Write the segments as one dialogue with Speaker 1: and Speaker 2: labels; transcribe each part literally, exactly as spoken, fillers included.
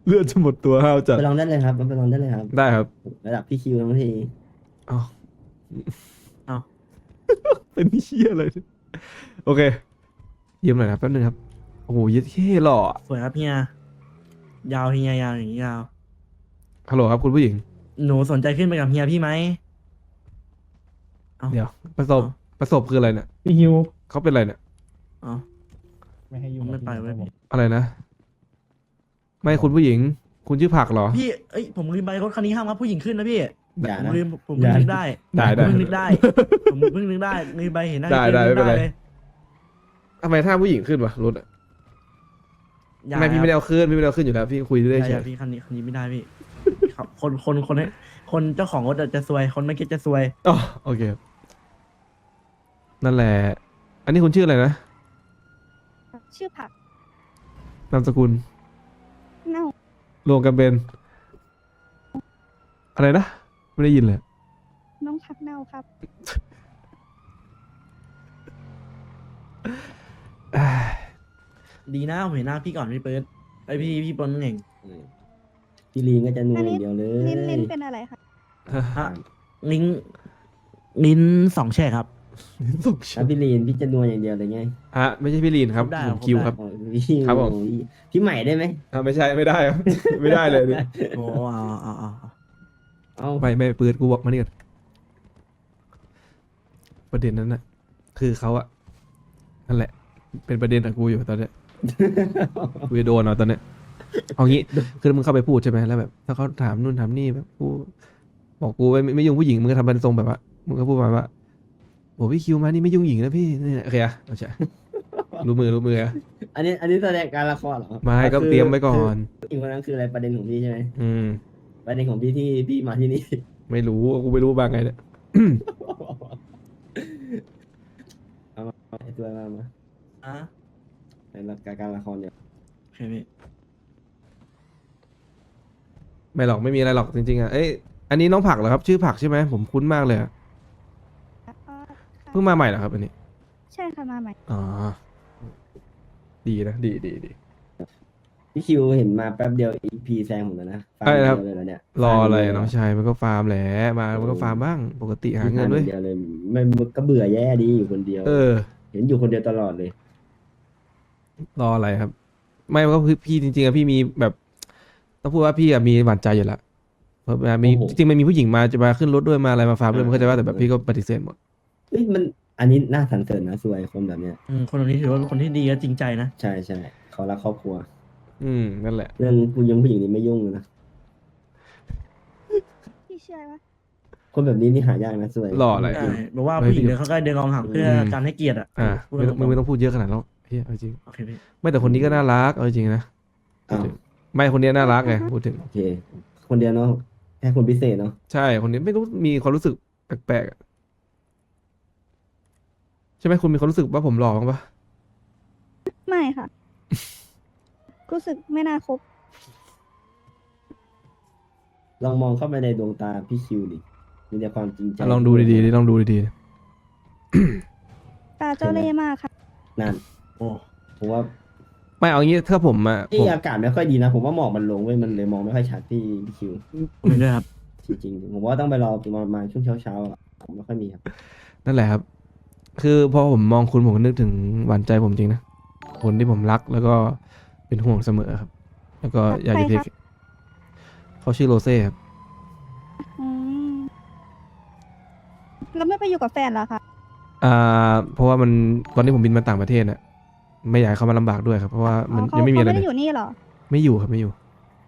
Speaker 1: เลือดจะหมดตัวห้าวจัด
Speaker 2: ไปลองได้เลยครับไปลองได้เลยครับ
Speaker 1: ได้ครับ
Speaker 2: ระดับพี่คิวทั้งที
Speaker 1: อ๋อ
Speaker 3: เอา
Speaker 1: เป็นเชี่ยอะไรเนี่ยโอเคยืมหน่อยนะแป๊บนึงครับโอ้โหเย็ดเท่หล่ออะ
Speaker 3: สวยครับเฮียยาวเฮียยาวอย่างนี้ยาว
Speaker 1: ฮัลโหลครับคุณผู้หญิง
Speaker 3: หนูสนใจขึ้นไปกับเฮียพี่ไหมเอา
Speaker 1: เดี๋ยวประสบ
Speaker 3: อ๋อ
Speaker 1: ประสบคืออะไรเนี่ย
Speaker 4: พี่ฮิว
Speaker 1: เขาเป็นอะไรเนี่ย
Speaker 3: เอา
Speaker 4: ไม่ให้ยุ่ง
Speaker 3: ไม่ไปเว้ย
Speaker 4: พี่
Speaker 1: อะไรนะ ไม่คุณผู้หญิง คุณชื่อผักเหรอ
Speaker 3: พี่เอ้ยผมลืมไปรถคันนี้ห้ามรับผู้หญิงขึ้นนะพี่
Speaker 2: อย่า
Speaker 3: ผม
Speaker 2: นะ
Speaker 3: ลืมผมเพิ่งนึกได้
Speaker 1: ได้ได้
Speaker 3: ผมเพิ่งนึกได้ผมเพิ่งนึกได้ลืมไปเห็นหน้า
Speaker 1: ได้
Speaker 3: พี่
Speaker 1: ได้
Speaker 3: นึ
Speaker 1: ไม่
Speaker 3: ก
Speaker 1: เป็นไร
Speaker 3: เลย
Speaker 1: ทำไมถ้าผู้หญิงขึ้นวะรถอะ
Speaker 3: อย่า
Speaker 1: ไม่พี่ไม่ได้
Speaker 3: ครับ
Speaker 1: เอาขึ้นพี่ไม่ได้เอาขึ้นอยู่แล้วพี่คุย
Speaker 3: อ
Speaker 1: ได้
Speaker 3: ย่า
Speaker 1: เฉ
Speaker 3: อย่าย พี่คันนี้คันนี้ไม่ได้พี่ครับคนคนคนนี้คนเจ้าของรถอะจะซวย คนไม่คิดจะซวย
Speaker 1: อ๋อโอเคครับนั่นแหละ อันนี้คุณชื่ออะไรนะ
Speaker 5: ชื่อผัก
Speaker 1: นามสกุล
Speaker 5: เน่าร
Speaker 1: วมกันเป็น อะไรนะ ไม่ได้ยินเลย
Speaker 5: น้องผักเน่าครับ
Speaker 3: ดีนะผมเห็นหน้าพี่ก่อนพี่เปิดไอพี่พี่ปนเอง
Speaker 2: พี่ลีนก็จะนัวอย่างเดียวเลย
Speaker 5: ลิ้นลิ้นเป็นอะไรคะ
Speaker 3: ฮะลิ้นลิ้นสองแฉกครับ
Speaker 1: ส่ง
Speaker 2: ถ้าพี่ลีนพี่จะนัวอย่างเดียวเลยไง
Speaker 1: ฮะไม่ใช่พี่ลีนครับ
Speaker 3: ได้
Speaker 1: ผม
Speaker 3: ครับ
Speaker 1: คิวครับ
Speaker 2: อ๋อพี่
Speaker 1: ครับผม
Speaker 2: โอ้ยพี่ใหม่ได้ไหม
Speaker 1: อ่าไม่ใช่ไม่ได้ครับ ไม่ได้เลยเนี่ย
Speaker 3: โอ้เอาเอาเอาเอา
Speaker 2: เอา
Speaker 1: ไม่ไม่ปืนกูบอกมานี่ก่อนประเด็นนั้นน่ะ คือเขาอะนั่นแหละ เป็นประเด็นกับกูอยู่ตอนเนี้ย กูจะโดนเอาตอนเนี้ยเอางี้คือมึงเข้าไปพูดใช่ไหมแล้วแบบ ถ้าเขาถามนู่นถามนี่แบบกูบอกกูไม่ไม่ยุ่งผู้หญิงมึงก็ทำเป็นทรงแบบว่ามึงก็พูดมาว่าโอ้พี่คิวมานี่ไม่ยุ่งหญิงนะพี่นี่โอเคอะเอาใช่รู้มือรู้มืออะ
Speaker 2: อันนี้อันนี้แสดงการละครเหรอ
Speaker 1: ไมาก็
Speaker 2: คือ
Speaker 1: เตรียมไว้ก่อน
Speaker 2: คืออีกคนนั้นคืออะไรประเด็นของพี่ใช่ไหม
Speaker 1: อืม
Speaker 2: ประเด็นของพี่ที่พี่มาที่นี่
Speaker 1: ไม่รู้กูไม่รู้บางไงเนี่ย
Speaker 2: เอามาไอ้ตัวมามา
Speaker 3: อ่ะ
Speaker 2: ในรายการละครเดี๋ยว
Speaker 3: โอเคพี่
Speaker 1: ไม่หรอกไม่มีอะไรหรอกจริงๆอ่ะเอ้ยอันนี้น้องผักเหรอครับ ชื่อผักใช่ไหมผมคุ้นมากเลยอะ
Speaker 5: อ๋อค่ะ
Speaker 1: เพิ่งมาใหม่เหรอครับอันนี้
Speaker 5: ใช่ค่ะมาใหม่
Speaker 1: อ๋อดีนะดีดีดี
Speaker 2: พี่คิวเห็นมาแป๊บเดียวอีพีแซงผมแล้วนะฟัง
Speaker 1: ใช่ครับ
Speaker 2: เดียวเลยแล้วเนี่ย
Speaker 1: รออะไร
Speaker 2: ฟัง
Speaker 1: น้องชายมันก็ฟาร์มแหละมามันก็ฟาร์มบ้างปกติหาเงินด้วย
Speaker 2: เดียวเลยไม่ก็เบื่อแย่ดีอยู่คนเดียว
Speaker 1: เออ
Speaker 2: เห็นอยู่คนเดียวตลอดเลย
Speaker 1: รออะไรครับ ไม่ก็คือพี่จริงๆอะพี่มีแบบต้องพูดว่าพี่อะมีหวานใจอยู่แล้วเพราะว่ามี
Speaker 2: โอ้โห
Speaker 1: จริงๆมันมีผู้หญิงมาจะมาขึ้นรถด้วยมาอะไรมาฟาร์มด้วยมันก็จะว่าแต่แบบพี่ก็ปฏิเสธหมด
Speaker 2: เอ้ยมันอันนี้น่าสรรเสริญนะสวยคนแบบเนี้ย
Speaker 3: อืมคนแบบนี้ถือว่าเป็นคนที่ดีและจริงใจนะ
Speaker 2: ใช่ใช่เขารักครอบครัว
Speaker 1: อืมนั่นแหละ
Speaker 2: เรื่องผู้หญิงผู้หญิงนี่ไม่ยุ่งเลยนะ
Speaker 5: พี่เชื่อปะ
Speaker 2: คนแบบนี้นี่หายากนะสวย
Speaker 1: รออะไร
Speaker 3: ใช่บอกว่าผู้หญิงเดินเขาใกล้เดินกองห่างเพื่อการให้เกียรติอ่ะ
Speaker 1: อ่า
Speaker 3: พูด
Speaker 1: ไม่
Speaker 3: ต
Speaker 1: ต้อง
Speaker 3: รง
Speaker 1: ไม่ต้องพูดเยอะขนาดนั้นหรอกเฮ้ยเอาจริง
Speaker 3: ๆโอเคพี่
Speaker 1: ไม่แต่คนนี้ก็น่ารักเอาจริงนะ
Speaker 2: อ้าว
Speaker 1: ไม่คนนี้น่ารักไงพูดถึง
Speaker 2: โอเค คนเดียวเนาะแค่คนพิเศษเนาะ
Speaker 1: ใช่คนนี้ไม่รู้มีความรู้สึกแปลกๆอะใช่ไหมคุณมีความรู้สึกว่าผมหล่อบ้างปะ
Speaker 5: ไม่ค่ะ รู้สึกไม่น่าคบ
Speaker 2: ลองมองเข้าไปในดวงตาพี่คิวดิมีแต่ความจริงใจ
Speaker 1: อ่ะลองดูดีๆดิลองดูดี
Speaker 5: ตาเจ้าเล่ห์มากค่ะ
Speaker 2: นั่น
Speaker 3: โอ้
Speaker 2: ผมว่า
Speaker 1: ๆไม่เอางี้ถ้าผมอะผ
Speaker 2: ที่
Speaker 1: ม
Speaker 2: อากาศไม่ค่อยดีนะ ผมว่าหมอกมันลงเว้ยมันเลยมองไม่ค่อยชัดพี่พี่คิว
Speaker 3: ผมเห็นด้วยครับ
Speaker 2: จริงๆผมว่าต้องไปรอประมาณช่วงเช้าๆอ่ะผมไม่ค่อยมีครับ
Speaker 1: นั่นแหละครับ คือพอผมมองคุณผมก็นึกถึงหวานใจผมจริงนะคนที่ผมรักแล้วก็เป็นห่วงเสมอครับ แล้วก็อยากจะเทคเขาชื่อโรเซ่ครับ
Speaker 5: อืมแล้วไม่ไปอยู่กับแฟนเหรอคะ
Speaker 1: อ่าเพราะว่ามันตอนนี้ผมบินมาต่างประเทศน่ะไม่อยากให้เขามาลำบากด้วยครับเพราะว่า
Speaker 5: อ๋
Speaker 1: มัน
Speaker 5: อเขา
Speaker 1: ยังไม่มี
Speaker 5: เขา
Speaker 1: อะไร
Speaker 5: ไม่
Speaker 1: เล
Speaker 5: ได้
Speaker 1: ย
Speaker 5: อยู่นี่เหรอ
Speaker 1: ไม่อยู่ครับไม่อยู่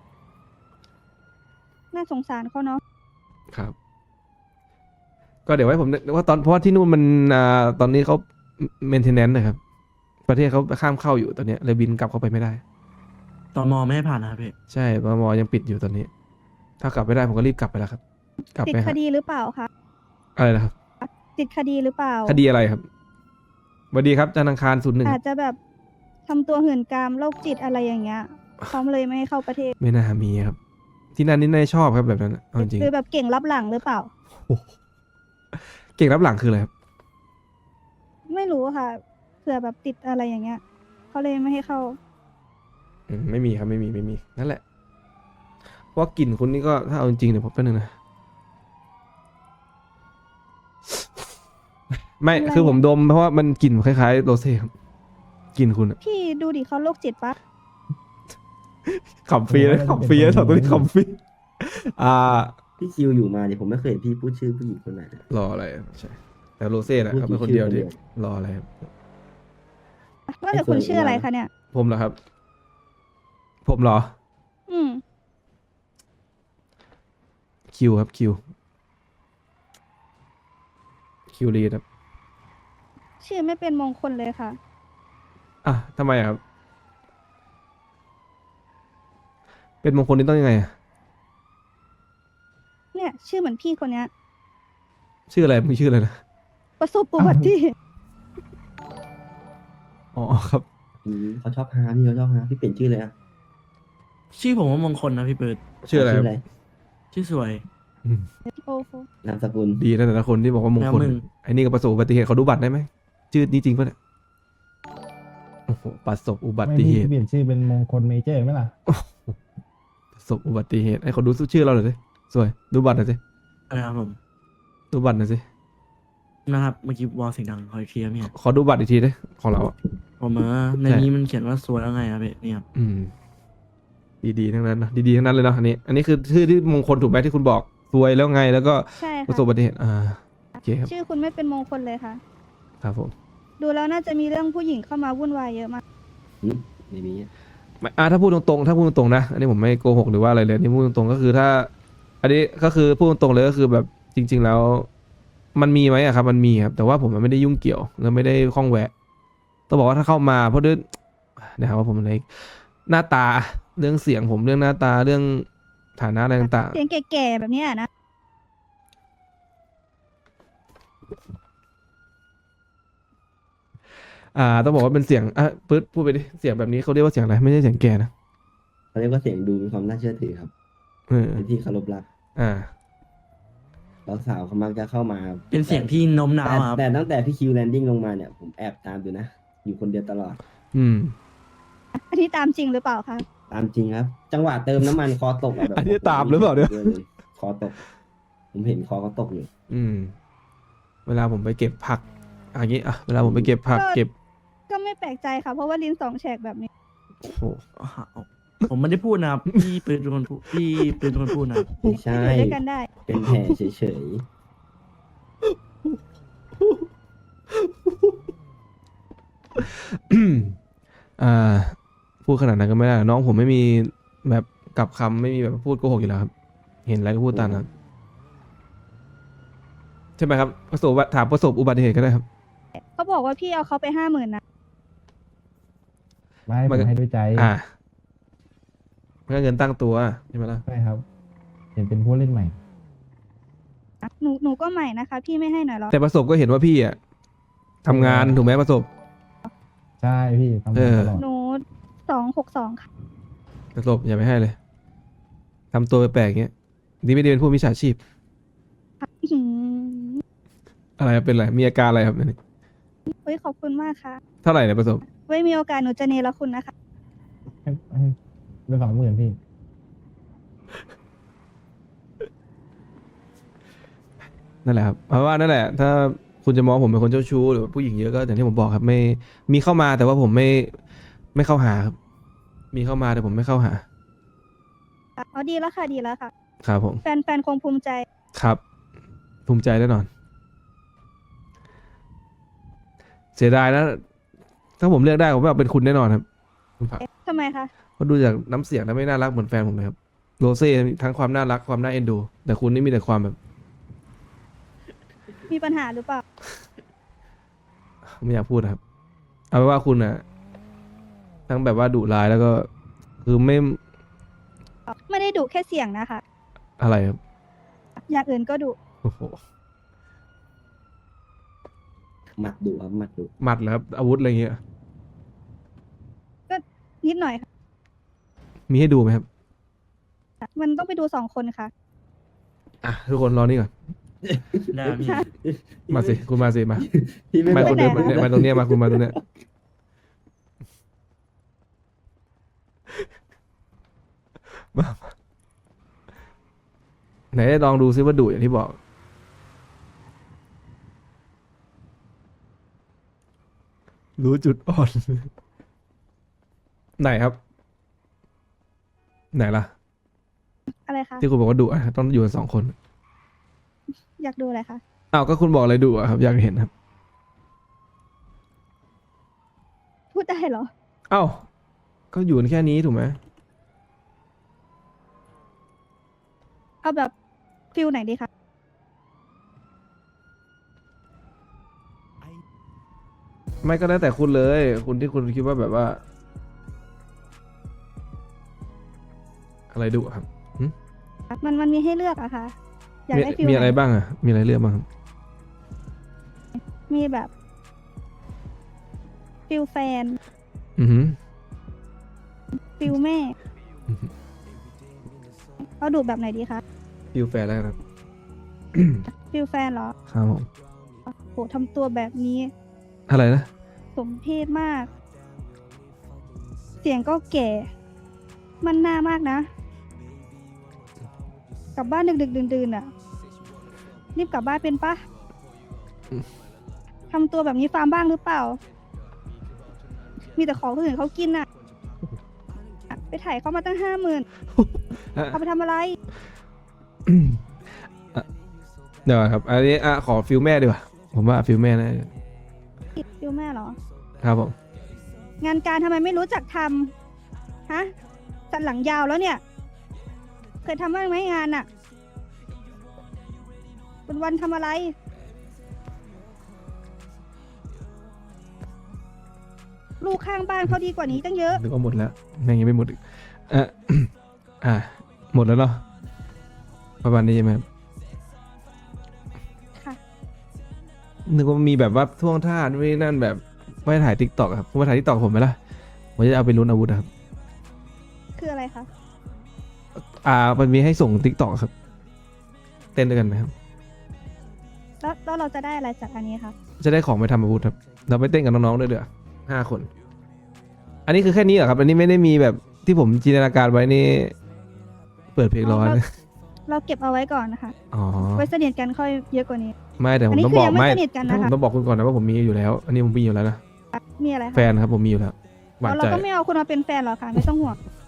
Speaker 5: น่าสงสารเขาเนาะ
Speaker 1: ครับ ก็เดี๋ยวไว้ผมนึกว่าตอนเพราะว่าที่นู่นมันอ่าตอนนี้เขาเมนเทนแนนซ์นะครับ ประเทศเขาข้ามเข้าอยู่ตอนเนี้ยเลยบินกลับเข้าไปไม่ได้
Speaker 3: ตมไม่ให้ผ่านนะครับพี่
Speaker 1: ใช่ปมยังปิดอยู่ตอนนี้ ถ้ากลับไม่ได้ผมก็รีบกลับไปแล้วครับ กลับ
Speaker 5: ติด
Speaker 1: ไป
Speaker 5: ค
Speaker 1: หา
Speaker 5: ดีหรือเปล่าคะ
Speaker 1: อะไรนะครับ
Speaker 5: ติดคดีหรือเปล่า
Speaker 1: คดีอะไรครับสวัสดีครับจันทร์อังคารศูนย์หนึ่ง
Speaker 5: อาจจะแบบทำตัวหื่นกามโรคจิตอะไรอย่างเงี้ยเขาเลยไม่ให้เข้าประเทศ
Speaker 1: ไม่น่ามีครับ ที่นั่นนี่น่าจะชอบครับแบบนั้นอะเอาจริง
Speaker 5: หรือแบบเก่งรับหลังหรือเปล่า
Speaker 1: เก่งรับหลังคืออะไรครับ
Speaker 5: ไม่รู้ค่ะเผื่อแบบติดอะไรอย่างเงี้ยเขาเลยไม่ให้เข้า
Speaker 1: อืมไม่มีครับไม่มีไม่มีนั่นแหละเพราะว่ากลิ่นคุณนี่ก็ถ้าเอาจริงๆเดี๋ยวผมแป๊บนึงนะไม่
Speaker 5: อะไร
Speaker 1: คือผม
Speaker 5: อะ
Speaker 1: ดมเพราะว่ามันกลิ่นคล้ายๆโรเซ่ครับกลิ่นคุณอะ
Speaker 5: พี่ดูดิเขาโรคจิตปะ
Speaker 1: ขำฟรีเลยขำฟรีเลยสองตัวนี้ขำฟรีอ่า
Speaker 2: พี่คิวอยู่มาเนี่ยผมไม่เคยเห็นพี่พูดชื่อผู้หญิงคนไหนนะ
Speaker 1: รออะไรอะใช่แต่โรเซ่แหละ
Speaker 2: พูด
Speaker 1: เขาเป็นคน
Speaker 2: ชื่อ
Speaker 1: เดียว
Speaker 2: คนเดี
Speaker 1: ที่
Speaker 2: ยว
Speaker 1: รออะไรครับ
Speaker 5: ว่าแต่คุณชื่ออะไรคะเนี่ย
Speaker 1: ผมเหรอครับ ผมเหรอ
Speaker 5: อืม
Speaker 1: คิวครับคิวคิวรีดครับ
Speaker 5: ชื่อไม่เป็นมงคลเลยค่ะ
Speaker 1: อ่ะทำไมอะครับ เป็นมงคลนี่ต้องยังไงอะ
Speaker 5: เนี่ย ชื่อเหมือนพี่คนเนี้ย
Speaker 1: ชื่ออะไรมึงชื่ออะไรนะ
Speaker 5: ประสบอุบัติเหตุ
Speaker 1: อ๋อครับ
Speaker 2: อืมเขาชอบฮาพี่เขาชอบฮาพี่เปลี่ยนชื่อเลยอะ
Speaker 3: ชื่อผมว่ามงคลนะพี่เปิด
Speaker 1: ชื่ออะไรครับ
Speaker 3: ชื่อสวย
Speaker 1: อืม
Speaker 5: โอ้โห
Speaker 2: นามสกุล
Speaker 1: ดีนะแต่ละคนที่บอกว่ามงคล
Speaker 3: แล้วมึง
Speaker 1: ไอ้นี่ก็ประสบอุบัติเหตุเขาดูบัตรได้ไหมชื่อนี้จริงปะเนี่ยโอ้โหประสบอุบั
Speaker 4: ไม่
Speaker 1: ติ
Speaker 4: พี่
Speaker 1: เหตุ
Speaker 4: เปลี่ยนชื่อเป็นมงคลเมเจอร์ไหมล่ะ
Speaker 1: ประสบอุบัติเหตุให้เขาดูชื่อเราหน่อยสิสวยดูบัตรหน่อยสิ
Speaker 3: นะครับผม
Speaker 1: ดูบัตรหน่อยสิ
Speaker 3: นะครับเมื่อกี้วอลเสียงดังคอยเคลียร์เนี่ย
Speaker 1: ขอดูบัตรอีกทีดิของเราอะ
Speaker 3: ผมเออใน
Speaker 1: ใช่
Speaker 3: นี้มันเขียนว่าสวยแล้วไงครับพี่เนี่ยครับ
Speaker 1: อืม ดีๆทั้งนั้นนะดีๆทั้งนั้นเลยเนาะอันนี้ อันนี้คือชื่อที่มงคลถูกไหมที่คุณบอกซวยแล้วไง แล้วก็
Speaker 5: ใช่
Speaker 1: ประ
Speaker 5: ค่ะ
Speaker 1: สบอุบัติเหตุอ่าโอเคครับ
Speaker 5: ชื่อคุณไม่เป็นมงคลเลยค่ะ
Speaker 1: ครับผม
Speaker 5: ดูแล้วน่าจะมีเรื่องผู้หญิงเข้ามาวุ่นวายเยอะมาก
Speaker 2: อืมไม่มีอะ
Speaker 1: ไม่อ่าถ้าพูดตรงๆถ้าพูดตรงๆนะอันนี้ผมไม่โกหกหรือว่าอะไรเลยอันนี่พูดตรงๆก็คือถ้า อันนี้ก็คือพูดตรงๆเลยก็คือแบบจริง ๆ แล้ว มันมีไหมอะครับ มันมีครับ แต่ว่าผมมันไม่ได้ยุ่งเกี่ยวแล้วไม่ได้ข้องแวะต้องบอกว่าถ้าเข้ามาเพราะด้วยนะครับว่าผมในหน้าตาเรื่องเสียงผมเรื่องหน้าตาเรื่องฐานะอะไรต่าง
Speaker 5: เสียงแก่ๆแบบเนี้ยนะ
Speaker 1: ๆอ่า ต้องบอกว่าเป็นเสียงอ่ะปื๊ดพูดไปดิเสียงแบบนี้เขาเรียกว่าเสียงอะไรไม่ใช่เสียงแก่นะ
Speaker 2: เขาเรียกว่าเสียงดูมีความน่าเชื่อถือครับ
Speaker 1: เออ
Speaker 2: เป็นที่เคารพรัก
Speaker 1: อ่า
Speaker 2: แล้วสาวเขามักจะเข้ามา
Speaker 3: เป็นเสียงที่โน้มน้าว
Speaker 2: แต่
Speaker 3: ครับ
Speaker 2: แต่ตั้งแต่พี่คิวแลนดิ้งลงมาเนี่ยผมแอบตามอยู่นะ อยู่คนเดียวตลอด
Speaker 1: อืม
Speaker 5: อันนี้ตามจริงหรือเปล่าคะ
Speaker 2: ตามจริงครับ จังหวะเติมน้ำมันคอตกะแบบ
Speaker 1: อันนี้ตามหรือเปล่าเนี่ย
Speaker 2: คอตก ผมเห็นคอเขาตกอยู่
Speaker 1: อืม เวลาผมไปเก็บผักอย่างนี้อ่ะเวลาผมไปเก็บผัก
Speaker 5: ก็
Speaker 1: เก็บ
Speaker 5: ก็ไม่แปลกใจค่ะ เพราะว่าลิ้นสองแฉกแบบนี้
Speaker 1: โอ้โห
Speaker 3: ผมไม่ได้พูดนะครับพี่ปืนเป็นคนพูดพี่ปืนเป็นคนพูดนะครับ
Speaker 2: ไม่ใช่
Speaker 5: อยู่ด้วยกันได้
Speaker 2: เป็นแผลเฉย
Speaker 1: อ่า พูดขนาดนั้นก็ไม่ได้น้องผมไม่มีแบบกลับคำไม่มีแบบพูดโกหกอยู่แล้วครับ เห็นอะไรก็พูดตามนั้นใช่ไหมครับประสบถามประสบอุบัติเหตุก็ได้ครับ
Speaker 5: เขาบอกว่าพี่เอาเขาไปห้าหมื่นนะ
Speaker 4: ไม่
Speaker 1: มั
Speaker 4: ผ
Speaker 1: นก็
Speaker 4: มให้ด้วยใจ
Speaker 1: อ่ามันก็เงินตั้งตัวใช่ไหมล่ะ
Speaker 4: ใช่ครับ เห็นเป็นผู้เล่นใหม่
Speaker 5: หนูหนูก็ใหม่นะคะ พี่ไม่ให้หน่อยหรอ
Speaker 1: แต่ประสบก็เห็นว่าพี่อ่ะทำงานถูกไหมประสบ
Speaker 4: ใช่พี่ทำ
Speaker 1: เออ
Speaker 4: มาตลอด
Speaker 5: หนูสองหกสองค่ะ
Speaker 1: ประสบอย่าไปให้เลยทำตัวแปลกๆอย่างเงี้ยนี่ไม่ได้เป็นผู้มิจฉาชีพ
Speaker 5: อื้อหือ
Speaker 1: อะไรครับเป็นอะไรมีอาการอะไรครับเนี่ย
Speaker 5: เฮ้ยขอบคุณมากค่ะ
Speaker 1: เท่าไหร่เนี่ยประสบ
Speaker 5: ไว้มีโอกาสหนูจะเนรคุณนะคะ
Speaker 4: ให้ให้เป็นสองหมื่นพี่
Speaker 1: นั่นแหละครับเพราะว่านั่นแหละ ถ้าคุณจะมองผมเป็นคนเจ้าชู้หรือว่าผู้หญิงเยอะก็อย่างที่ผมบอกครับ ไม่มีเข้ามาแต่ว่าผมไม่ไม่เข้าหาครับ มีเข้ามาแต่ผมไม่เข้าหา
Speaker 5: อ๋อดีแล้วค่ะดีแล้วค่ะ
Speaker 1: ครับผม
Speaker 5: แฟนแฟนคงภูมิใจ
Speaker 1: ครับ ภูมิใจแน่นอน เสียดายนะ ถ้าผมเลือกได้ผมว่าเป็นคุณแน่นอนครับคุณผัก
Speaker 5: ทำไมคะ
Speaker 1: เพราะดูจากน้ำเสียงแล้วไม่น่ารักเหมือนแฟนผมเลยครับโรเซ่ทั้งความน่ารักความน่าเอ็นดู แต่คุณนี่มีแต่ความแบบ
Speaker 5: มีปัญหาหรือเปล่า
Speaker 1: ไม่อยากพูดนะครับ เอาเป็นว่าคุณอะทั้งแบบว่าดุร้ายแล้วก็ คือไม่
Speaker 5: ไม่ได้ดุแค่เสียงนะคะ
Speaker 1: อะไรครับ
Speaker 5: อย่างอื่นก็ดุ
Speaker 1: โอ้โห
Speaker 2: ๆหมัดดุครับหมัดดุ
Speaker 1: หมัดแล้วครับอาวุธอะไรเงี้ย
Speaker 5: นิดหน่อยค่ะ
Speaker 1: มีให้ดูไหมครับ
Speaker 5: มันต้องไปดูสองคนค่ะ
Speaker 1: อ่ะทุกคนรอนี่ก่อน
Speaker 3: ได้พี่
Speaker 1: มาสิคุณมาสิมา
Speaker 2: พี่ไม่
Speaker 1: มา
Speaker 2: บอ
Speaker 1: ค
Speaker 2: ก
Speaker 1: นเดิน
Speaker 5: ไปไหน
Speaker 1: มาตรงเนี้ยมาคุณมาตรงเนี้ยมาไหนลองดูซิว่าดุอย่างที่บอก รู้จุดอ่อน ไหนครับ ไหนล่ะ
Speaker 5: อะไรคะ
Speaker 1: ที่คุณบอกว่าดุอะต้องอยู่กันสองคน
Speaker 5: อยากดูอะไรคะ
Speaker 1: อ้าวก็คุณบอกอะไรดุอะครับ อยากเห็นครับ
Speaker 5: พูดได้เหรอ
Speaker 1: อ้าวก็อยู่กันแค่นี้ถูกไหม
Speaker 5: เอาแบบฟิลไหนดีคะ
Speaker 1: ไม่ก็ได้แต่คุณเลย คุณที่คุณคิดว่าแบบว่า อะไรดุอะครับ
Speaker 5: มันมันมีให้เลือกอะค่ะ อยาก
Speaker 1: มี
Speaker 5: ได้ฟิล
Speaker 1: มีอะไร
Speaker 5: ไหน
Speaker 1: บ้างอะมีอะไรเลือกบ้างครับ
Speaker 5: มีแบบ ฟิลแฟน
Speaker 1: อือหือ
Speaker 5: ฟิลแม่ เอาดูแบบไหนดีคะ
Speaker 1: ฟิลแฟร์แล้วครับ
Speaker 5: ฟิลแฟนเหรอ
Speaker 1: ครับผม
Speaker 5: โหทำตัวแบบนี้
Speaker 1: อะไรนะ
Speaker 5: สมเพศมาก เสียงก็แก่ มันหน้ามากนะ กลับบ้านดึกๆดื่นๆอ่ะ รีบกลับบ้านเป็นปะทำตัวแบบนี้ฟาร์มบ้างหรือเปล่า มีแต่ของคนอื่นเขากินอ่ะ ไปถ่ายเขามาตั้งห้าหมื่น
Speaker 1: อ่ะ
Speaker 5: เอาไปทำอะไร
Speaker 1: อ่ะเดี๋ยวก่อนครับ อันนี้อ่ะขอฟิลแม่ดีกว่า ผมว่าฟิลแม่นะ
Speaker 5: ฟิลแม่เหรอ
Speaker 1: ครับผม
Speaker 5: งานการทำไมไม่รู้จักทำฮะสันหลังยาวแล้วเนี่ย เคยทำบ้างไหมงานอะวันวันๆทำอะไร ลูกข้างบ้านเขาดีกว่านี้ตั้งเยอะ
Speaker 1: นึกว่าหมดแล้วแม่งยังไม่หมดอีกอ่ะ อ่ะหมดแล้วเนาะประมาณนี้ใช่ไหมครับ
Speaker 5: ค่ะ
Speaker 1: นึกว่ามีแบบว่าท่วงท่านู่นนี่นั่นแบบไม่ถ่ายทิกตอกครับคุณมาถ่ายทิกตอกผมไหมล่ะผมจะเอาไปลุ้นอาวุธนะครับ
Speaker 5: คืออะไรคะ
Speaker 1: อ่ามันมีให้ส่งทิกตอกครับ เต้นด้วยกันไหมครับ
Speaker 5: แล้วแล้วเราจะได้อะไรจากอันนี้คะ
Speaker 1: จะได้ของไปทำอาวุธครับ เราไปเต้นกับน้องๆด้วยเด้อห้าคน อันนี้คือแค่นี้เหรอครับ อันนี้ไม่ได้มีแบบที่ผมจินตนาการไว้นี่ เปิดเพลงร้อน
Speaker 5: เราเราเก็บเอาไว้ก่อนนะคะ
Speaker 1: อ๋อ
Speaker 5: ไว้สนิทกันค่อยเยอะกว่านี้
Speaker 1: ไม่แต่ผ
Speaker 5: อัน
Speaker 1: ม
Speaker 5: นี้
Speaker 1: ต้อง
Speaker 5: คื
Speaker 1: บ
Speaker 5: อ
Speaker 1: อก
Speaker 5: ยังไม่
Speaker 1: ไม่
Speaker 5: สนิทกันนะคะ
Speaker 1: ผมต้องบอกคุณก่อนนะว่าผมมีอยู่แล้ว อันนี้ผมมีอยู่แล้วนะ
Speaker 5: มีอะไรคะ
Speaker 1: แฟนครับผมมีอยู่แล้วหวาน
Speaker 5: อ๋อเรา
Speaker 1: ใจ
Speaker 5: ก็ไม่เอาคุณมาเป็นแฟนหรอกค่ะ ไม่ต้องห่วง